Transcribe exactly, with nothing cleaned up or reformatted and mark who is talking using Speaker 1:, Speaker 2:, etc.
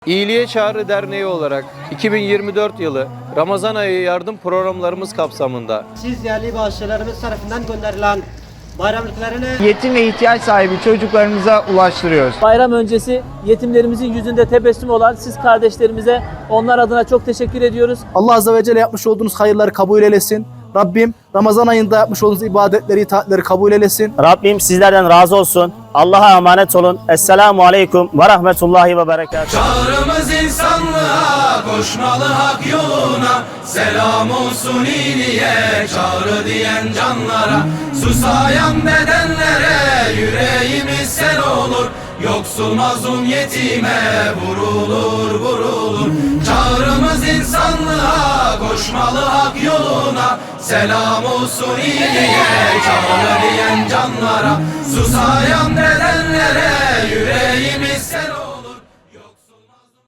Speaker 1: İyiliğe Çağrı Derneği olarak iki bin yirmi dört yılı Ramazan ayı yardım programlarımız kapsamında
Speaker 2: Siz değerli bağışçılarımız tarafından gönderilen bayramlıklarını
Speaker 3: yetim ve ihtiyaç sahibi çocuklarımıza ulaştırıyoruz.
Speaker 4: Bayram öncesi yetimlerimizin yüzünde tebessüm olan siz kardeşlerimize onlar adına çok teşekkür ediyoruz.
Speaker 5: Allah Azze ve Celle yapmış olduğunuz hayırları kabul eylesin. Rabbim Ramazan ayında yapmış olduğunuz ibadetleri, itaatleri kabul eylesin.
Speaker 6: Rabbim sizlerden razı olsun. Allah'a emanet olun. Esselamu Aleyküm ve Rahmetullahi ve Berekatuhu.
Speaker 7: Çağrımız insanlığa, koşmalı hak yoluna. Selam olsun iyiliğe, çağrı diyen canlara. Susayan bedenlere, yüreğimiz sel olur. Yoksul mazlum yetime vurulur vurulur. Çağrımız insanlığa, koşmalı hak yoluna. Selam olsun iyiliğe, çağrı diyen canlara. Susayan bedenlere, yüreğimiz sel olur.